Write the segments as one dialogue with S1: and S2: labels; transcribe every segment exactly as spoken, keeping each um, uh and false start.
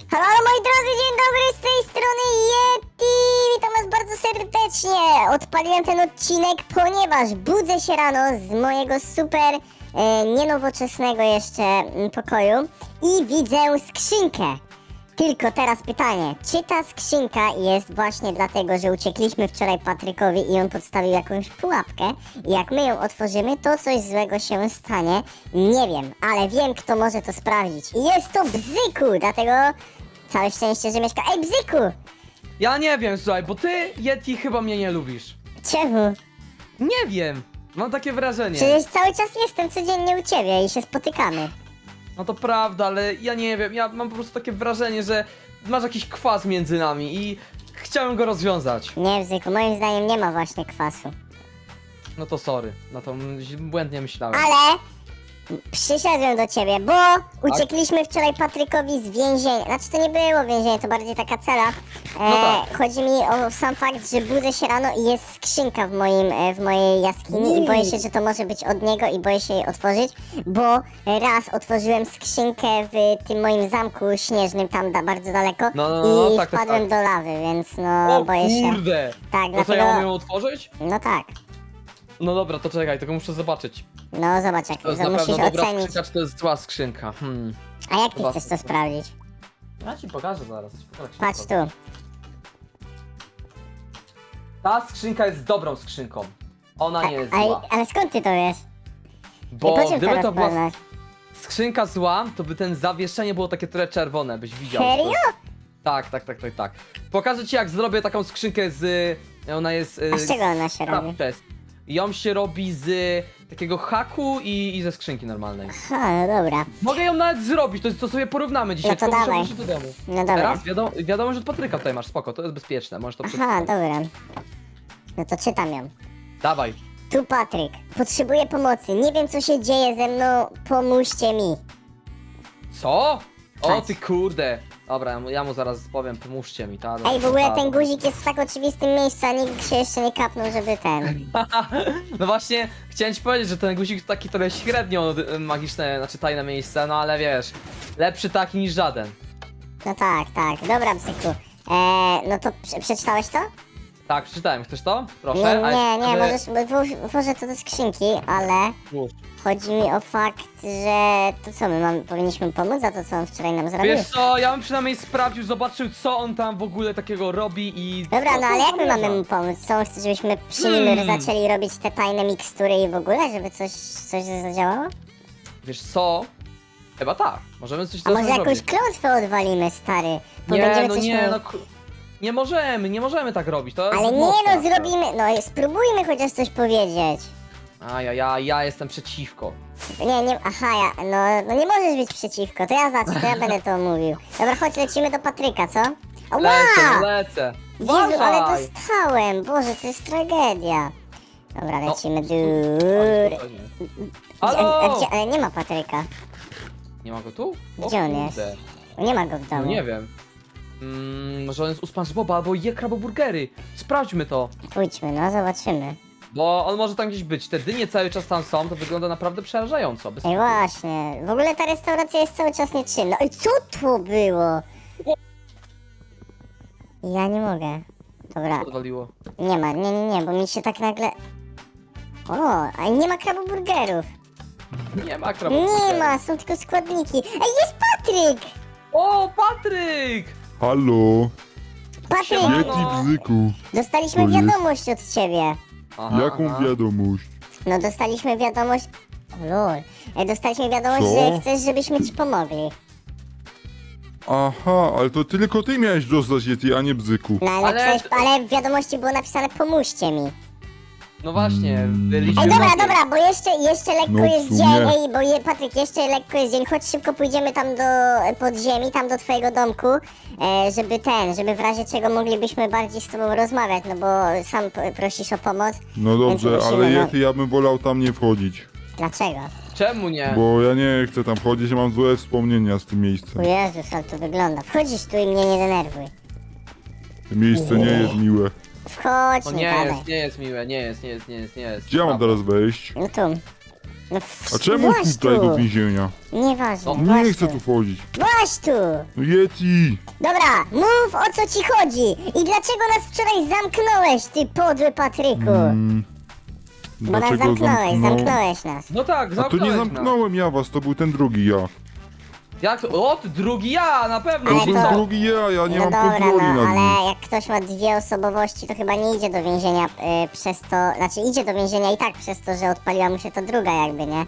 S1: Halo, halo moi drodzy, dzień dobry, z tej strony Yeti! Witam was bardzo serdecznie! Odpaliłem ten odcinek, ponieważ budzę się rano z mojego super, e, nienowoczesnego jeszcze mm, pokoju i widzę skrzynkę. Tylko teraz pytanie, czy ta skrzynka jest właśnie dlatego, że uciekliśmy wczoraj Patrykowi i on podstawił jakąś pułapkę i jak my ją otworzymy, to coś złego się stanie? Nie wiem, ale wiem, kto może to sprawdzić. I jest to Bzyku, dlatego całe szczęście, że mieszka... Ej, Bzyku!
S2: Ja nie wiem, słuchaj, bo ty, Yeti, chyba mnie nie lubisz.
S1: Czemu?
S2: Nie wiem, mam takie wrażenie.
S1: Przecież cały czas jestem codziennie u ciebie i się spotykamy.
S2: No to prawda, ale ja nie wiem, ja mam po prostu takie wrażenie, że masz jakiś kwas między nami i chciałem go rozwiązać.
S1: Nie, Bzyku, moim zdaniem nie ma właśnie kwasu.
S2: No to sorry, na to m- błędnie myślałem.
S1: Ale przyszedłem do ciebie, bo uciekliśmy wczoraj Patrykowi z więzienia. Znaczy to nie było więzienie, to bardziej taka cela. E,
S2: No tak.
S1: Chodzi mi o sam fakt, że budzę się rano i jest skrzynka w, moim, e, w mojej jaskini i boję się, że to może być od niego i boję się jej otworzyć, bo raz otworzyłem skrzynkę w tym moim zamku śnieżnym tam da, bardzo daleko
S2: No, no, no,
S1: i
S2: tak, tak,
S1: wpadłem
S2: tak.
S1: do lawy, więc no
S2: O
S1: boję się.
S2: kurde!
S1: Tak,
S2: No to
S1: dlatego...
S2: ja mam ją otworzyć?
S1: No tak.
S2: No dobra, to czekaj, tylko muszę zobaczyć.
S1: No zobacz, jak
S2: To jest
S1: to
S2: na
S1: musisz
S2: pewno dobra
S1: ocenić.
S2: skrzynka, czy to jest zła skrzynka. Hmm.
S1: A jak ty
S2: Chyba-
S1: chcesz to sprawdzić?
S2: Ja ci pokażę zaraz. Ci pokażę, jak się
S1: Patrz
S2: to
S1: tu.
S2: robi. Ta skrzynka jest dobrą skrzynką. Ona nie jest
S1: A,
S2: zła.
S1: ale skąd ty to wiesz? I
S2: Bo
S1: po czym
S2: gdyby
S1: teraz
S2: to była
S1: poznasz?
S2: skrzynka zła, to by ten zawieszenie było takie trochę czerwone, byś widział.
S1: Serio?
S2: Tak, tak, tak, tak, tak. Pokażę ci, jak zrobię taką skrzynkę z... Ona jest...
S1: A z czego ona się robi?
S2: Chest. Ją się robi z takiego haku i, i ze skrzynki normalnej.
S1: Ha, no dobra.
S2: Mogę ją nawet zrobić, to, to sobie porównamy dzisiaj,
S1: No to
S2: tylko muszę
S1: dawaj.
S2: wrócić do domu.
S1: No dobra.
S2: Teraz wiadomo, wiadomo, że od Patryka tutaj masz, spoko, to jest bezpieczne, możesz to
S1: Aha,
S2: przeczytać.
S1: dobra. No to czytam ją.
S2: Dawaj.
S1: Tu Patryk. Potrzebuję pomocy. Nie wiem co się dzieje ze mną. Pomóżcie mi.
S2: Co? O
S1: Patrz.
S2: ty kurde. Dobra, ja mu- ja mu zaraz powiem, pomóżcie mi, ta.
S1: Ej, w ogóle
S2: ta-
S1: ten guzik jest w tak oczywistym miejscu, a nikt się jeszcze nie kapnął, żeby ten.
S2: No właśnie, chciałem ci powiedzieć, że ten guzik to taki trochę średnio y, magiczne, znaczy tajne miejsce, no ale wiesz, lepszy taki niż żaden.
S1: No tak, tak. Dobra, psyku. Eee, no to prze- przeczytałeś to?
S2: Tak, przeczytałem, chcesz to? Proszę.
S1: Nie,
S2: A
S1: nie, nie,
S2: jeszcze-
S1: możesz, włóż- włożę to do skrzynki, ale
S2: Włóż.
S1: chodzi mi o fakt, że to co, my mam, powinniśmy pomóc za to, co on wczoraj nam zrobił?
S2: Wiesz co, ja bym przynajmniej sprawdził, zobaczył co on tam w ogóle takiego robi i...
S1: Dobra, no ale jak my
S2: zamierza.
S1: mamy mu pomóc? Co on chce, żebyśmy przy nim
S2: Hmm.
S1: zaczęli robić te tajne mikstury i w ogóle, żeby coś, coś zadziałało?
S2: Wiesz co? Chyba tak, możemy coś
S1: A może
S2: zacząć
S1: jakąś
S2: robić.
S1: klątwę odwalimy, stary? Bo
S2: Nie,
S1: będziemy
S2: no
S1: coś
S2: nie,
S1: mu-
S2: no... k- Nie możemy, nie możemy tak robić, to jest
S1: Ale nie
S2: mocne.
S1: no, zrobimy, no spróbujmy chociaż coś powiedzieć.
S2: A ja, ja, ja jestem przeciwko.
S1: Nie, nie, aha, ja, no, no nie możesz być przeciwko, to ja zacznę, to ja będę to mówił. Dobra, chodź, lecimy do Patryka, co? Ała!
S2: Lecę, no lecę.
S1: Jezu, ale
S2: Uważaj.
S1: dostałem, Boże, to jest tragedia. Dobra,
S2: No,
S1: lecimy,
S2: Oj,
S1: dur.
S2: spokojnie.
S1: A, a
S2: Halo!
S1: gdzie, ale nie ma Patryka,
S2: Nie ma go tu? O
S1: Gdzie on jest?
S2: kurde.
S1: nie ma go w domu.
S2: No nie wiem. Mm, może on jest u SpongeBoba albo je kraboburgery. Sprawdźmy to.
S1: Pójdźmy, no, zobaczymy.
S2: Bo on może tam gdzieś być. Te dynie cały czas tam są, to wygląda naprawdę przerażająco. Bez
S1: Ej, właśnie, w ogóle ta restauracja jest cały czas nieczynna. Ej, co to było? Ja nie mogę. Dobra,
S2: Odwaliło.
S1: nie ma, nie, nie, nie, bo mi się tak nagle... O, a nie ma kraboburgerów.
S2: Nie ma kraboburgerów.
S1: Nie ma, są tylko składniki. Ej, jest Patryk!
S2: O, Patryk!
S3: Halo,
S1: Patryk,
S2: Siema.
S3: Yeti Bzyku.
S1: dostaliśmy
S3: To jest?
S1: wiadomość od ciebie.
S2: Aha,
S3: Jaką
S2: aha.
S3: wiadomość?
S1: No, dostaliśmy wiadomość... O lol. Ej, dostaliśmy wiadomość,
S3: Co?
S1: że chcesz, żebyśmy ci pomogli.
S3: Aha, ale to tylko ty miałeś dostać Yeti, a nie Bzyku.
S1: No, ale,
S2: Ale-
S1: napisałeś, ale w wiadomości było napisane pomóżcie mi.
S2: No właśnie, byliśmy
S1: Ej, dobra,
S2: na tym.
S1: dobra, bo jeszcze, jeszcze lekko
S3: No w
S1: jest
S3: sumie.
S1: dzień, ej, bo je, Patryk, jeszcze lekko jest dzień, chodź szybko pójdziemy tam do podziemi, tam do twojego domku, e, żeby ten, żeby w razie czego moglibyśmy bardziej z tobą rozmawiać, no bo sam p- prosisz o pomoc.
S3: No dobrze,
S1: Więc musimy,
S3: ale
S1: no.
S3: Yeti, ja bym wolał tam nie wchodzić.
S1: Dlaczego?
S2: Czemu nie?
S3: Bo ja nie chcę tam wchodzić, ja mam złe wspomnienia z tym
S1: O
S3: miejscem.
S1: Jezus, ale to wygląda. Wchodzisz tu i mnie nie denerwuj.
S3: To miejsce nie jest miłe.
S1: Wchodź,
S2: No
S1: nie
S2: nie
S1: gadaj.
S2: jest, nie jest miłe, nie jest, nie jest, nie jest, nie jest.
S3: Gdzie ja mam
S2: Prawda.
S3: teraz wejść?
S1: No tu. No,
S3: A czemu
S1: właź
S3: tutaj
S1: tu.
S3: do więzienia?
S1: Nieważne,
S3: Nie
S1: właź
S3: chcę
S1: tu.
S3: tu wchodzić.
S1: Właź tu!
S3: No Yeti!
S1: Dobra, mów o co ci chodzi i dlaczego nas wczoraj zamknąłeś, ty podły Patryku?
S3: Mm,
S1: Bo nas
S3: dlaczego
S1: zamknąłeś,
S3: zamknął?
S1: zamknąłeś nas.
S2: No tak,
S3: A to
S2: zamknąłeś
S3: nie
S2: nas.
S3: zamknąłem ja was, to był ten drugi ja.
S2: Jak to? O, ty drugi ja, na pewno.
S3: To
S1: Ale
S3: był
S1: to-
S3: drugi ja, ja nie
S1: no
S3: mam
S1: dobra,
S3: kontroli
S1: no
S3: nad nim.
S1: ale jak ktoś ma dwie osobowości, to chyba nie idzie do więzienia y, przez to, znaczy idzie do więzienia i tak przez to, że odpaliła mu się to druga jakby, nie?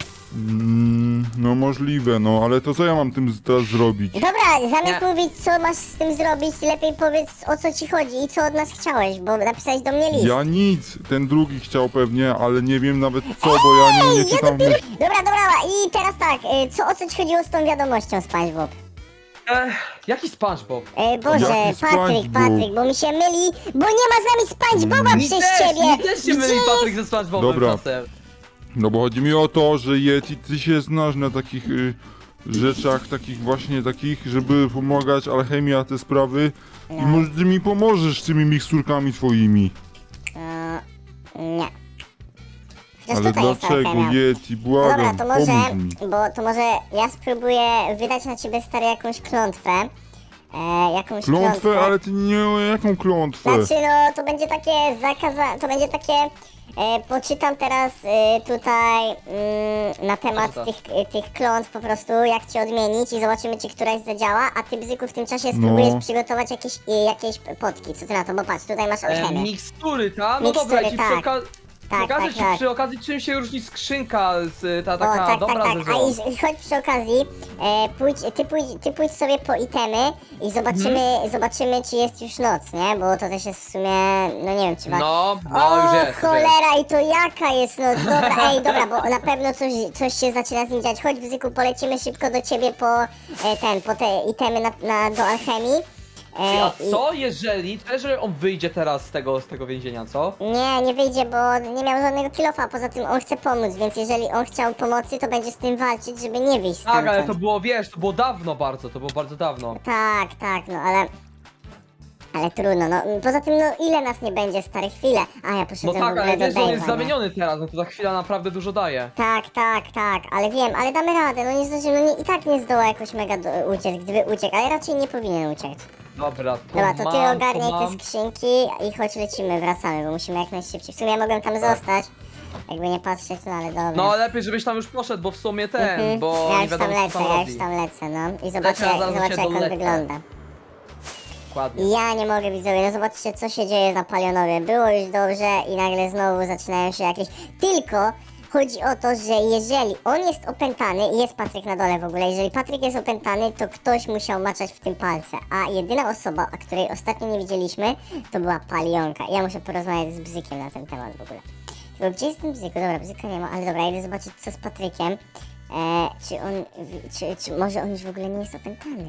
S3: Mm, no możliwe, no ale to co ja mam tym z- teraz zrobić?
S1: Dobra, zamiast
S2: Nie.
S1: mówić co masz z tym zrobić, lepiej powiedz o co ci chodzi i co od nas chciałeś, bo napisałeś do mnie list.
S3: Ja nic, ten drugi chciał pewnie, ale nie wiem nawet co, bo ja nie, nie
S1: ja
S3: czytam
S1: dopiero...
S3: myśli.
S1: Dobra, dobra, i teraz tak, y, co o co ci chodziło z tą wiadomością, SpongeBob?
S2: Ech, jaki SpongeBob?
S1: E, Boże,
S3: Jaki
S1: Patryk,
S3: SpongeBob?
S1: Patryk, bo mi się myli, bo nie ma z nami SpongeBoba
S2: Mi
S1: przez
S2: też,
S1: ciebie!
S2: mi też się myli
S1: Gdzie
S2: Patryk ze SpongeBobem
S3: Dobra.
S2: czasem.
S3: No bo chodzi mi o to, że Yeti, ty się znasz na takich y, rzeczach, takich właśnie takich, żeby pomagać alchemia, te sprawy. I
S1: No.
S3: może ty mi pomożesz z tymi miksturkami twoimi.
S1: E, nie. Chociaż
S3: Ale
S1: tutaj jest
S3: dlaczego,
S1: alchemia.
S3: Yeti,
S1: No dobra,
S3: błagam,
S1: to może,
S3: pomóż mi.
S1: bo to może ja spróbuję wydać na ciebie stary jakąś klątwę. E, jakąś klątwę.
S3: Klątwę, ale ty nie, jaką klątwę?
S1: Znaczy no, to będzie takie zakaza... to będzie takie... E, poczytam teraz e, tutaj mm, na temat
S2: Poczytasz.
S1: tych, e, tych klątw po prostu, jak ci odmienić i zobaczymy, czy któraś zadziała, a ty, Bzyku, w tym czasie spróbujesz
S3: No.
S1: przygotować jakieś, e, jakieś potki. Co ty na to? Bo patrz, tutaj masz
S2: E,
S1: alchemię.
S2: mikstury, ta? No
S1: Mikstury,
S2: dobra, ja ci
S1: tak.
S2: przy okazji...
S1: Tak,
S2: Pokażę
S1: tak,
S2: ci
S1: tak.
S2: przy okazji, czym się różni skrzynka z ta
S1: O,
S2: taka
S1: tak,
S2: dobra
S1: tak,
S2: ze
S1: tak.
S2: złą.
S1: A i, i chodź przy okazji, e, pójdź, ty, pójdź, ty pójdź sobie po itemy i zobaczymy,
S2: Mhm.
S1: zobaczymy, czy jest już noc, nie? Bo to też jest w sumie, no nie wiem, czy ma...
S2: No, no
S1: o,
S2: już jest. już jest.
S1: cholera, i to jaka jest noc? Dobra, ej, dobra, bo na pewno coś, coś się zaczyna z nim dziać. Chodź, Bzyku, polecimy szybko do ciebie po e, ten, po te itemy na, na, do alchemii.
S2: Ty,
S1: E,
S2: A co jeżeli, co jeżeli on wyjdzie teraz z tego, z tego więzienia, co?
S1: i, nie, nie wyjdzie, bo nie miał żadnego kilofa, poza tym on chce pomóc, więc jeżeli on chciał pomocy, to będzie z tym walczyć, żeby nie wyjść
S2: Tak,
S1: stamtąd.
S2: ale to było, wiesz, to było dawno bardzo, to było bardzo dawno.
S1: Tak, tak, no ale... Ale trudno, no poza tym, no ile nas nie będzie, stare chwile. A ja
S2: No
S1: poszedłem w
S2: tak,
S1: ogóle
S2: ale
S1: do
S2: wiesz, że on jest
S1: Dave'a, nie?
S2: zamieniony teraz, no to ta chwila naprawdę dużo daje.
S1: Tak, tak, tak, ale wiem, ale damy radę, no nie zdążymy, no nie, i tak nie zdoła jakoś mega do, uciec, gdyby uciekł, ale raczej nie powinien uciec.
S2: Dobra, to
S1: Dobra, to ty
S2: mam,
S1: ogarniaj
S2: to
S1: te
S2: mam.
S1: skrzynki i chodź lecimy, wracamy, bo musimy jak najszybciej. W sumie ja mogłem tam zostać, jakby nie patrzeć, no ale dobra.
S2: No lepiej, żebyś tam już poszedł, bo w sumie ten,
S1: Mhm.
S2: bo
S1: ja
S2: nie
S1: już tam
S2: wiadomo co
S1: lecę,
S2: tam
S1: ja
S2: robi.
S1: już tam lecę, no i zobaczę,
S2: Leciał, zaraz
S1: zobaczę
S2: się
S1: jak on
S2: dolecę.
S1: wygląda.
S2: Dokładnie.
S1: Ja nie mogę, widzowie, no zobaczcie co się dzieje na Palionowie. Było już dobrze i nagle znowu zaczynają się jakieś... Tylko chodzi o to, że jeżeli on jest opętany i jest Patryk na dole w ogóle, jeżeli Patryk jest opętany, to ktoś musiał maczać w tym palce, a jedyna osoba, a której ostatnio nie widzieliśmy, to była Palionka. Ja muszę porozmawiać z Bzykiem na ten temat w ogóle. Bo gdzie jest ten Bzyku? Dobra, Bzyka nie ma, ale dobra, idę zobaczyć co z Patrykiem. E, czy on... Czy, czy może on już w ogóle nie jest opętany?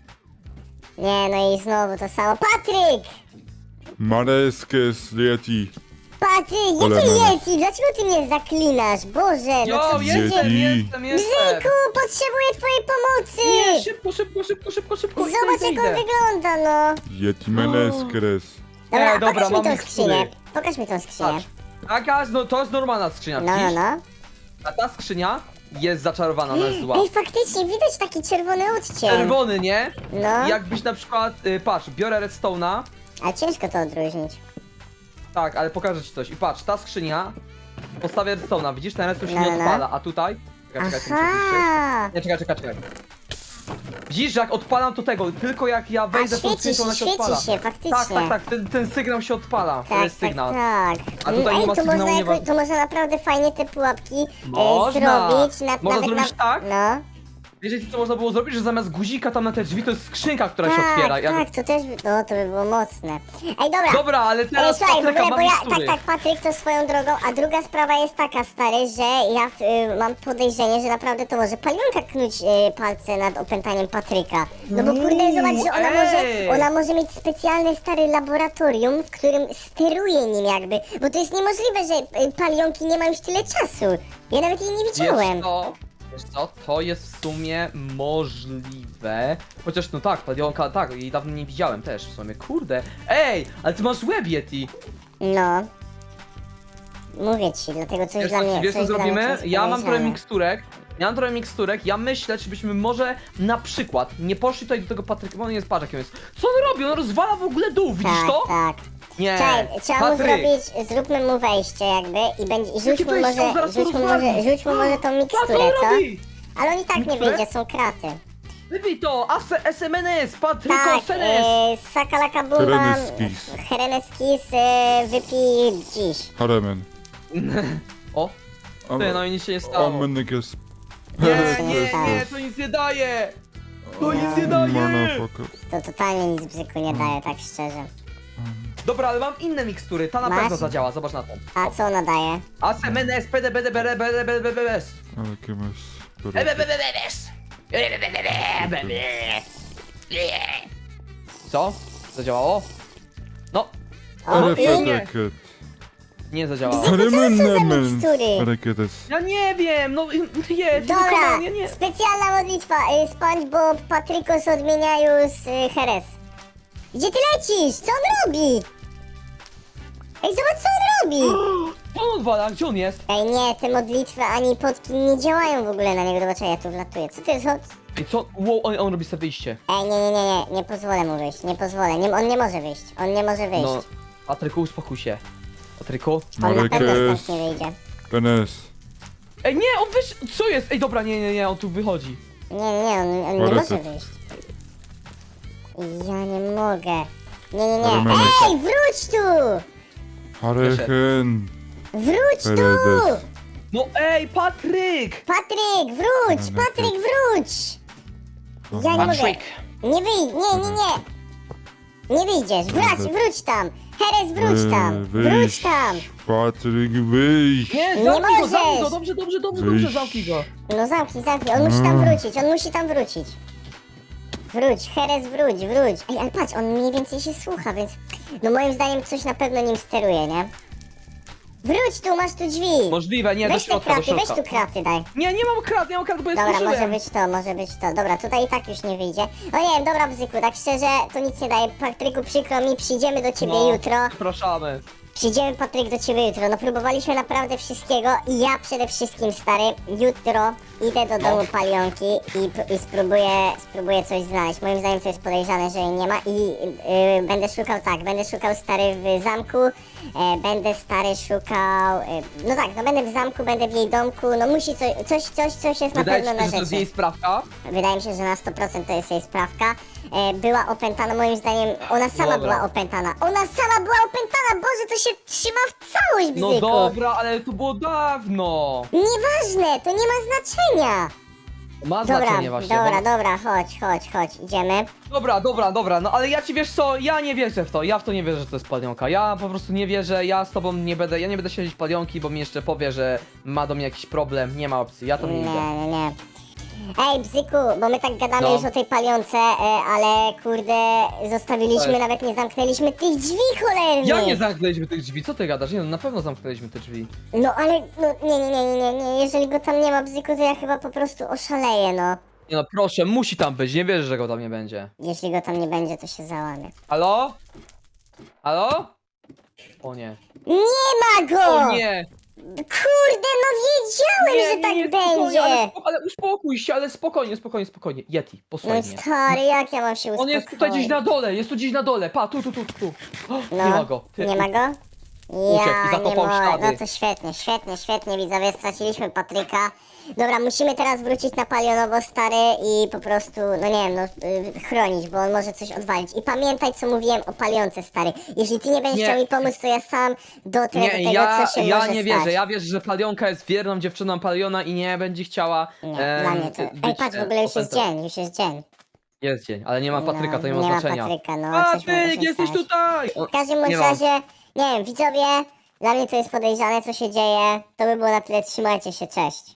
S1: Nie, no i znowu to samo. Patryk!
S3: Mareskę z Yeti.
S1: Patryk,
S3: Ale
S1: jakie
S3: mamy.
S1: Yeti? Dlaczego ty mnie zaklinasz? Boże, no
S2: Jo,
S1: co
S2: jestem,
S3: Yeti.
S2: jestem, jestem!
S1: Bzyku, potrzebuję twojej pomocy!
S2: Nie, szybko, szybko, szybko, szybko, szybko,
S1: Zobacz
S2: idę,
S1: jak on
S2: idę.
S1: wygląda, no.
S3: Yeti Meneskres.
S1: Dobra,
S2: Nie, dobra,
S1: pokaż mi
S2: mam
S1: tą
S2: mikstury.
S1: skrzynię. Pokaż mi tą skrzynię.
S2: Patrz. Taka, no to jest normalna skrzynia,
S1: No, no,
S2: widzisz?
S1: no.
S2: A ta skrzynia jest zaczarowana, ona jest zła.
S1: Ej, faktycznie, widać taki czerwony odcień.
S2: Czerwony, nie?
S1: No.
S2: Jakbyś na przykład, y, patrz, biorę redstone'a,
S1: Ale ciężko to odróżnić.
S2: tak, ale pokażę ci coś. I patrz, ta skrzynia, postawię redstone'a, widzisz, ten redstone się
S1: No,
S2: nie
S1: no, no.
S2: odpala, a tutaj... Czekaj, czekaj, czekaj, czekaj,
S1: Aha!
S2: nie, czekaj, czekaj, czekaj. Widzisz, że jak odpalam to tego, tylko jak ja
S1: A
S2: wejdę w tą
S1: świeci
S2: skrzynkę, ona
S1: się,
S2: się
S1: świeci
S2: odpala.
S1: się, faktycznie.
S2: Tak, tak, tak, ten, ten sygnał się odpala, to
S1: Tak,
S2: jest sygnał.
S1: tak, tak.
S2: A tutaj
S1: Ej,
S2: nie ma
S1: to
S2: sygnału,
S1: można,
S2: nie
S1: jakoś,
S2: ma-
S1: to można naprawdę fajnie te pułapki e,
S2: Można.
S1: zrobić. Na,
S2: Można
S1: nawet
S2: zrobić
S1: na,
S2: tak?
S1: No.
S2: Wiecie co można było zrobić, że zamiast guzika tam na te drzwi to jest skrzynka, która się
S1: Tak,
S2: otwiera. Jak...
S1: tak, to też by, no, to by było mocne. Ej, dobra.
S2: Dobra, ale
S1: Ej,
S2: teraz
S1: słuchaj, w
S2: Patryka
S1: ogóle,
S2: ma
S1: bo ja, tak,
S2: mikstury.
S1: tak, Patryk to swoją drogą, a druga sprawa jest taka, stary, że ja y, mam podejrzenie, że naprawdę to może Palionka knuć y, palce nad opętaniem Patryka. No bo kurde,
S2: Uuu,
S1: zobacz, że ona może,
S2: ej.
S1: ona może mieć specjalne, stare laboratorium, w którym steruje nim jakby, bo to jest niemożliwe, że y, Palionki nie ma już tyle czasu. Ja nawet jej nie widziałem.
S2: Wiesz co? Wiesz co? To jest w sumie możliwe. Chociaż no tak, Palionka, tak, jej dawno nie widziałem też w sumie. Kurde. Ej, ale ty masz łeb Yeti.
S1: No. Mówię ci, dlatego coś
S2: Wiesz,
S1: dla
S2: co-
S1: mnie...
S2: wiesz co
S1: coś dla mnie
S2: zrobimy?
S1: jest
S2: Ja mam trochę
S1: podejrzane.
S2: miksturek. Ja mam trochę miksturek, ja myślę, czy byśmy może na przykład nie poszli tutaj do tego Patryka, bo on jest, patrz jak on jest. Co on robi? On rozwala w ogóle dół, widzisz
S1: Tak,
S2: to?
S1: tak.
S2: Nie.
S1: Czekaj, trzeba mu
S2: Patryk.
S1: zrobić, zróbmy mu wejście jakby i będzie, i rzuć
S2: Jakie
S1: mu
S2: wejście? On
S1: może,
S2: zaraz to
S1: rzuć mu
S2: rozwali.
S1: może, rzuć mu może tą
S2: Patrz co
S1: miksturę,
S2: on
S1: co?
S2: robi?
S1: Ale on i tak nie
S2: Miksturę?
S1: wyjdzie, są kraty.
S2: Wybij to! A S M N S! Patryko
S1: Tak,
S2: Senes!
S1: e, Sakalaka Bumba,
S3: Hereneskis.
S1: Hereneskis, e, wypij dziś.
S3: Haremen.
S2: O! Ty, no i nic się nie stało.
S3: Amenek jest...
S2: Nie, nie, nie, to nic nie daje! To nic nie daje!
S3: Motherfucker.
S1: To totalnie nic bzyku nie daje, tak szczerze.
S2: Dobra, ale mam inne mikstury, ta na
S1: Masz?
S2: pewno zadziała, zobacz na to.
S1: A co ona daje?
S2: A S M N S, P D B D B D B D B D B D S.
S3: Ale jakie masz...
S2: B B B D B D S. Co? Zadziałało? No,
S1: O, i...
S3: Refeteket.
S2: nie zadziałało.
S3: Haremenemen.
S1: mikstury?
S3: Reketes.
S2: Ja nie wiem, no jest,
S1: Dobra,
S2: nie, nie.
S1: specjalna modlitwa, y, SpongeBob, Patrykos odmieniają z y, Heres. Gdzie ty lecisz? Co on robi? Ej, zobacz co on robi!
S2: Co on odwala? Gdzie on jest?
S1: Ej, nie, te modlitwy ani potki nie działają w ogóle na niego. Zobacz, ja tu wlatuję. Co to jest? O-
S2: Ej, co? Wow, on, on robi sobie wyjście.
S1: Ej, nie, nie, nie, nie, nie pozwolę mu wyjść, nie pozwolę. Nie, on nie może wyjść, on nie może wyjść.
S2: No, Patryku, uspokój się. Patryku?
S1: On na pewno
S3: Marekes.
S1: stąd nie wyjdzie.
S3: Penes.
S2: Ej, nie, on wysz... Co jest? Ej, dobra, nie, nie, nie, on tu wychodzi.
S1: Nie, nie, nie, on, on nie
S3: Marekes.
S1: może wyjść. Ja nie mogę. Nie, nie, nie.
S3: Marekes.
S1: Ej, wróć tu!
S3: Hareken.
S1: Wróć tu!
S3: Peredes.
S2: No ej, Patryk!
S1: Patryk, wróć! Patryk, wróć! Ja nie mogę.
S2: Patryk.
S1: Nie wyjdź, nie, nie, nie. Nie wyjdziesz, wróć, wróć tam. Heres, wróć tam. Wróć tam.
S3: Patryk, wyjść.
S2: Nie,
S1: Nie
S2: zamknij go,
S1: możesz.
S2: zamknij go, dobrze, dobrze, dobrze, dobrze,
S3: Wyjść.
S2: zamknij go.
S1: No zamknij, zamknij, on musi tam wrócić, on musi tam wrócić. Wróć, Heres, wróć, wróć. Ej, ale patrz, on mniej więcej się słucha, więc... No moim zdaniem coś na pewno nim steruje, nie? Wróć tu, masz tu drzwi.
S2: Możliwe, nie, do
S1: Weź te
S2: środka, do
S1: kraty, weź
S2: środka.
S1: tu kraty daj.
S2: Nie, nie mam krat, nie mam krat, bo jest
S1: Dobra, może być to, może być to. Dobra, tutaj i tak już nie wyjdzie. O nie wiem, dobra Bzyku, tak szczerze, to nic nie daje. Patryku, przykro mi, przyjdziemy do ciebie
S2: No,
S1: jutro.
S2: Zapraszamy.
S1: Przyjdziemy, Patryk, do ciebie jutro. No próbowaliśmy naprawdę wszystkiego i ja przede wszystkim, stary, jutro idę do domu Palionki i, p- i spróbuję, spróbuję coś znaleźć. Moim zdaniem to jest podejrzane, że jej nie ma i y, będę szukał, tak, będę szukał, stary, w zamku, e, będę, stary, szukał, y, no tak, no będę w zamku, będę w jej domku, no musi coś, coś, coś, coś jest
S2: Wydaje
S1: na
S2: ci
S1: pewno
S2: się,
S1: na
S2: że to jest
S1: rzeczy.
S2: jej sprawka?
S1: Wydaje mi się, że na sto procent to jest jej sprawka. E, była opętana, moim zdaniem, ona sama
S2: Dobra.
S1: była opętana. Ona sama była opętana, Boże, to się trzyma w całość,
S2: No
S1: bzyku.
S2: dobra, ale to było dawno.
S1: Nieważne, to nie ma znaczenia.
S2: Ma
S1: Dobra,
S2: znaczenie właśnie.
S1: dobra,
S2: bo...
S1: dobra, chodź, chodź, chodź, idziemy.
S2: Dobra, dobra, dobra, no ale ja ci wiesz co, ja nie wierzę w to, ja w to nie wierzę, że to jest palionka. Ja po prostu nie wierzę, ja z tobą nie będę, ja nie będę siedzieć palionki, bo mi jeszcze powie, że ma do mnie jakiś problem, nie ma opcji, ja to nie
S1: Nie,
S2: idę.
S1: nie, nie. Ej, Bzyku, bo my tak gadamy
S2: No.
S1: już o tej palionce, e, ale kurde, zostawiliśmy,
S2: Tak.
S1: nawet nie zamknęliśmy tych drzwi cholernych.
S2: Ja nie zamknęliśmy tych drzwi, co ty gadasz? Nie no, na pewno zamknęliśmy te drzwi.
S1: No ale, no nie, nie, nie, nie, nie, jeżeli go tam nie ma, Bzyku, to ja chyba po prostu oszaleję, no.
S2: Nie no, proszę, musi tam być, nie wierzę, że go tam nie będzie.
S1: Jeśli go tam nie będzie, to się załamie.
S2: Halo? Halo? O nie.
S1: Nie ma go!
S2: O nie!
S1: Kurde, no wiedziałem, że tak
S2: spokojnie,
S1: będzie!
S2: Ale, spo- ale uspokój się, ale spokojnie, spokojnie, spokojnie. Yeti,
S1: No
S2: posłuchaj mnie.
S1: stary, jak ja mam się
S2: On
S1: uspokoić?
S2: jest tutaj gdzieś na dole, jest tu gdzieś na dole, pa, tu, tu, tu, tu. O,
S1: No,
S2: nie ma go. Ty,
S1: nie ma go?
S2: Uciekł i
S1: Ja
S2: zakopał
S1: nie mogę.
S2: ślady.
S1: No to świetnie, świetnie, świetnie, widzowie, straciliśmy Patryka. Dobra, musimy teraz wrócić na Palionowo, stary, i po prostu, no nie wiem, no, y, chronić, bo on może coś odwalić. I pamiętaj, co mówiłem o Palionce, stary. Jeśli ty nie będziesz
S2: Nie.
S1: chciał mi pomóc, to ja sam dotrę do
S2: Nie,
S1: tego,
S2: ja,
S1: co się
S2: ja
S1: może
S2: nie
S1: stać.
S2: wierzę, ja wierzę, że Palionka jest wierną dziewczyną Paliona i nie będzie chciała.
S1: Nie,
S2: em,
S1: dla mnie to... Ej,
S2: być,
S1: patrz, w
S2: e,
S1: ogóle już jest
S2: opętana.
S1: dzień, już jest dzień.
S2: Jest dzień, ale nie ma Patryka, to nie ma
S1: nie
S2: znaczenia.
S1: ma Patryka, no, coś może
S2: Patryk,
S1: się
S2: jesteś
S1: stać.
S2: tutaj! O,
S1: W każdym bądź
S2: nie ma.
S1: razie, nie wiem, widzowie, dla mnie to jest podejrzane, co się dzieje. To by było na tyle, trzymajcie się, cześć.